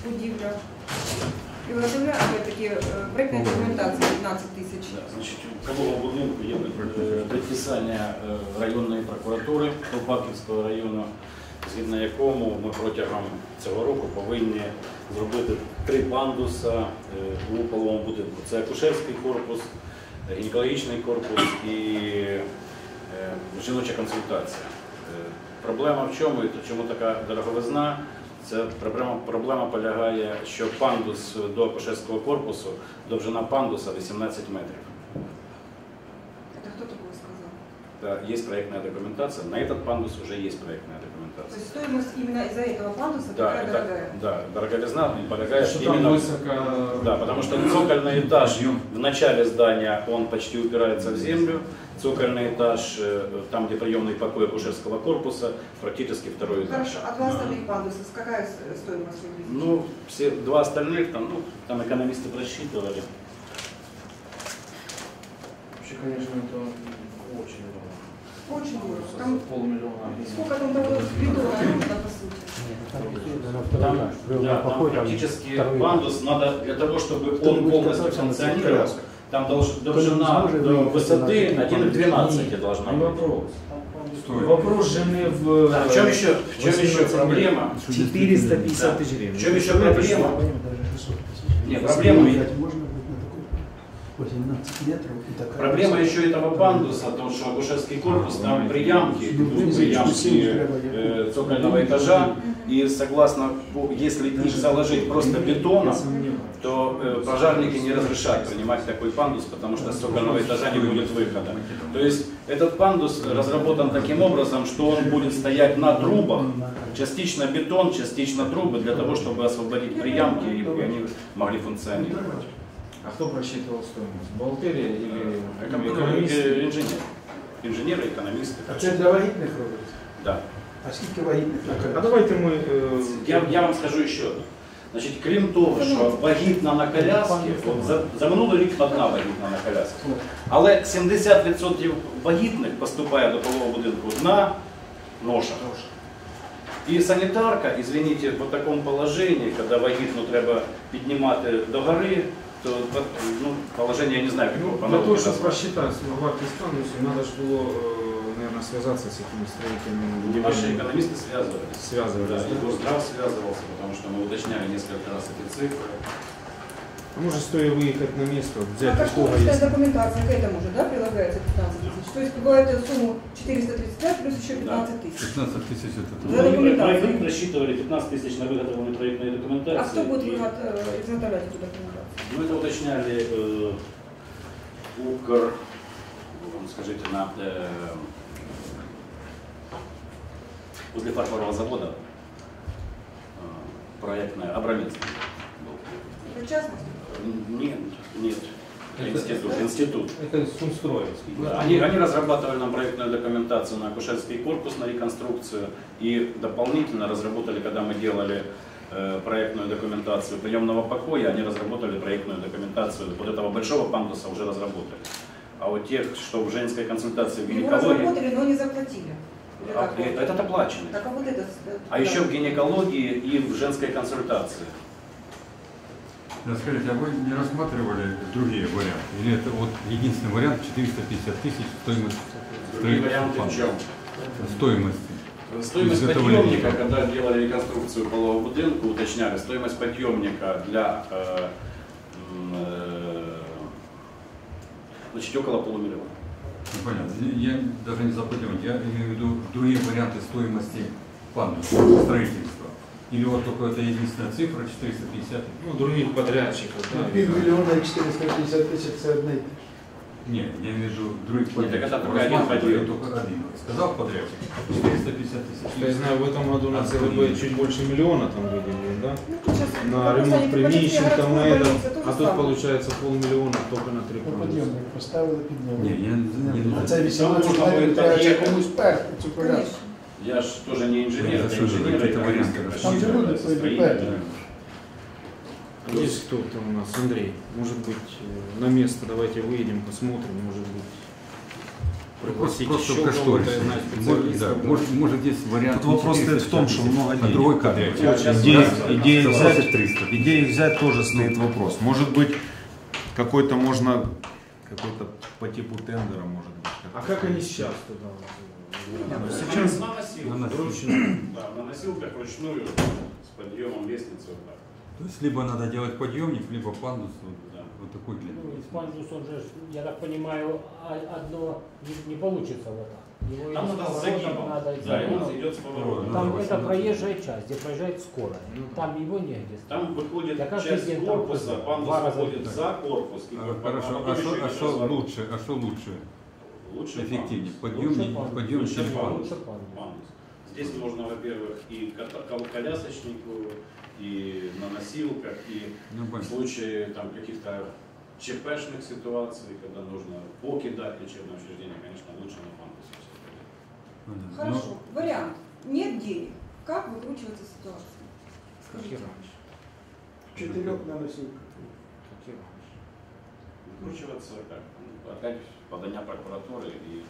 будівля. І виготовляє, опять-таки, проєктна документація 15 тисяч. Значить, у Калового будинку є підписання районної прокуратури Колпаківського району, згідно якому ми протягом цього року повинні зробити 3 пандуса у Каловому будинку. Це акушерський корпус, гінекологічний корпус і жіноча консультація. Проблема в чому і чому така дороговизна? Ця проблема полягає, що пандус до акушерського корпусу, довжина пандуса 18 метрів. Это кто такое сказал? Да, есть проектная документация. На этот пандус уже есть проектная документация. То есть стоимость именно из-за этого пандуса Да, такая дорогая? Да, дороговизна полягает что именно... там высоко... Да, потому что цокольный этаж в начале здания, он почти упирается в землю. Цокольный этаж, там где приемный покой акушерского корпуса, практически второй этаж. Хорошо, а 2 остальных пандуса, какая стоимость выглядит? Ну, все 2 остальных, там экономисты просчитывали. Вообще, конечно, это очень дорого. Очень дорого. Там Полмиллиона. сколько там того бетона нужно, по сути? Там практически пандус надо для того, чтобы он полностью функционировал. Там должна до высоты 1,12 должна Не быть. вопрос. Вопрос жены в... В чем еще проблема? 450 тысяч гривен. В чем еще проблема? Нет, проблема... Проблема еще этого пандуса, то, что акушерский корпус, там приямки цокольного этажа, и согласно, если их заложить просто бетоном, то пожарники не разрешают принимать такой пандус, потому что с цокольного этажа не будет выхода. То есть этот пандус разработан таким образом, что он будет стоять на трубах, частично бетон, частично трубы, для того, чтобы освободить приямки, и они могли функционировать. А кто просчитывал стоимость? Бухгалтерия или Инженер. Инженеры, экономисты. А це для вагітних робиться? Да. А скільки вагітних? А давайте мы... Я вам скажу еще. Значить, крім того, що вагітна на коляскі, за минулий рік одна вагітна на коляскі, але 70% вагітних поступає до полового будинку на ношах. І санітарка, извините, в такому положенні, коли вагітну треба піднімати до гори, то положение я не знаю, какого по Для того, чтобы просчитать вартость пандуса, надо же было, наверное, связаться с этими строителями. Наши экономисты связывались. Связывались, да? И Горздрав связывался, потому что мы уточняли несколько раз эти цифры. А может, стоит выехать на место, взять А такого кошторисная есть. документация к этому же, да, прилагается 15 тысяч? То есть бывает сумму 435 плюс еще 15 тысяч. 15 тысяч это... За документацию. Мы рассчитывали 15 тысяч на выготовленную проектной документации. А кто будет изготовлять эту документацию? Мы это уточняли Укр, скажите, возле фарфорового завода проектная Абраминский. В частности? Нет. Институт. Это Сумстроевский. Да, они разрабатывали нам проектную документацию на акушерский корпус, на реконструкцию, и дополнительно разработали, когда мы делали проектную документацию приемного покоя, они разработали проектную документацию вот этого большого пандуса, уже разработали. А вот тех, что в женской консультации в Его гинекологии... разработали, но не заплатили. Этот оплаченный. Так, а вот это... А еще в гинекологии и в женской консультации. Скажите, а вы не рассматривали другие варианты? Или это вот единственный вариант 450 тысяч стоимость Другие варианты в чем? стоимости? Стоимость подъемника, когда делали реконструкцию полового будинка, уточняли, стоимость подъемника для значит, около полумиллиона. Понятно. Я даже не запутываю, я имею в виду другие варианты стоимости пандуса, строительства. Или вот только это единственная цифра 450? Ну, других подрядчиков. Да, Півмільйона і 450 тисяч – це одне й те ж. Нет, я имею в виду других подрядчиков. это только один подряд. Только один. Сказал подрядчик 450 тысяч. Я знаю, в этом году на ЦВБ чуть больше миллиона там выделили, да? Ну, тут сейчас, На ремонт приміщень там на этом, а тут получается... получается полмиллиона только на 3 Ну, пандуса. підйомник поставили підйомник. Не, я не А це 18 Можна метрів, буде треба під'їхати. комусь перти цю коляску. Конечно. Я же тоже не инженер, Я это слышу, инженеры, какие-то экономисты, варианты. Там же люди строители. Есть кто там у нас? Андрей. Может быть, на место давайте выедем, посмотрим, может быть. пригласить Просто еще кошторис. кого-то из наших Может, специалистов. да, может здесь вариант. Тут вопрос стоит в том, что много а денег. другой кадрик. Идеи взять, 300. идеи взять тоже стоит вопрос. Может быть, какой-то можно, какой-то по типу тендера, может быть. А как они сейчас туда? Сейчас на носилках, на вручную. Да, на носилках вручную с подъемом лестницы. Вот так. То есть либо надо делать подъемник, либо пандус Да. вот такой длины. Ну, пандус, он же, я так понимаю, одно не получится вот так. Его Там или надо с с поворотом загибом. надо Да, и загибом. он идет с поворотом. Там Да, это 18. проезжая часть, где проезжает скорая. Ну, Там его негде. Там выходит Я каждый часть день там корпуса, ходил. пандус Два раза выходит так. за корпус. И Хорошо, потом еще идет что разворот. лучше? А что лучше? Лучше Эффективнее? пандус. Подъемник, пандус. подъемник Лучше или пандус. пандус? Лучше пандус. Пандус. Здесь можно, во-первых, и колясочнику, и на носилках, и Ну, в понятно. случае там, каких-то ЧПшных ситуаций, когда нужно покидать лечебное учреждение, конечно, лучше на пандусе. Понятно. Хорошо. Вариант. Нет денег. Как выкручиваться ситуация? Скажите. Четырех на носилках. Выкручиваться как? Ну, опять подання прокуратуры и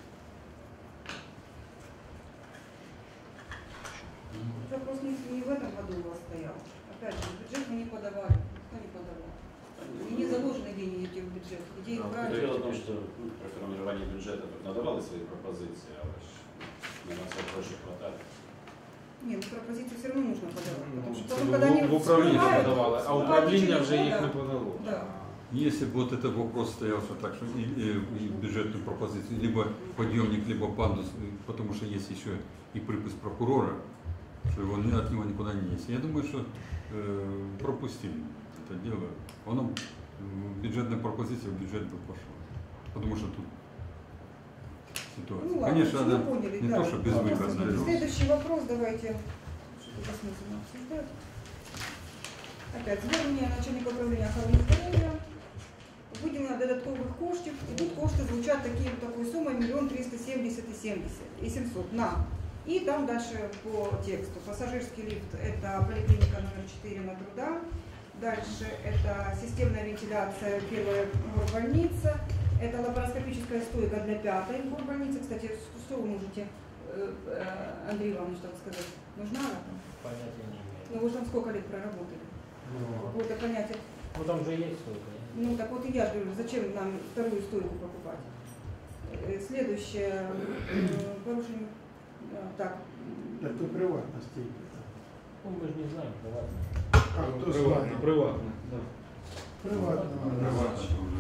Вопрос не в этом году у вас стоял. Опять же, бюджет мы не подавали. Никто не подавал. И не заложены деньги эти в бюджет. Где их брать? дело в том, что при формировании бюджета тут надавали свои пропозиции, а ж на нас проще хватает. Ні, ну пропозиції все одно нужно подавати. Потому що Це потім, коли вони в управління вспливають, подавали, а вспливають управління через вже їх года. не подало. Да. Если бы вот этот вопрос стоял, что так, что и бюджетную пропозицию, либо подъемник, либо пандус, потому что есть еще и припис прокурора, что его, от него никуда не есть. Я думаю, что пропустили это дело. Оно, бюджетная пропозиция в бюджет бы пошла. Потому что тут ситуация. Ну ладно, Конечно, мы надо поняли, не да. то, что безвыходно. Вопрос. Следующий вопрос давайте. Что-то бессмысленно обсуждать. Опять звернення начальника управління охорони здоров'я. Виділення додаткових коштів. І тут кошти звучать такою сумою 1 370 700 на. И там дальше по тексту. Пассажирский лифт – это поликлиника номер 4 на Труда. Дальше это системная вентиляция, первая горбольница. Это лапароскопическая стойка для 5-й горбольницы. Кстати, что вы можете, Андрей Иванович, так сказать, нужна она там? Понятия не имею. Ну вы же там сколько лет проработали? Ну, Какое-то понятие. ну там же есть столько. Ну так вот и я же говорю, зачем нам вторую стойку покупать? Следующее, порушение, так. Это приватная стейка. Ну, мы же не знаем, ладно. А, кто знает? Приватно, да. Приватная.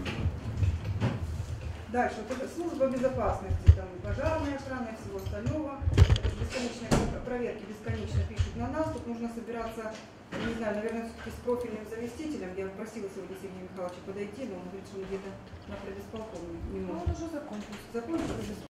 Дальше, вот это служба безопасности, там пожарная охрана и всего остального. Бесконечные проверки бесконечно пишут на нас. Тут нужно собираться, не знаю, наверное, все-таки с профильным заместителем. Я просила сегодня Сергея Михайловича подойти, но он говорит, что где-то на предисполкоме не может. Он уже закончился. Закончился?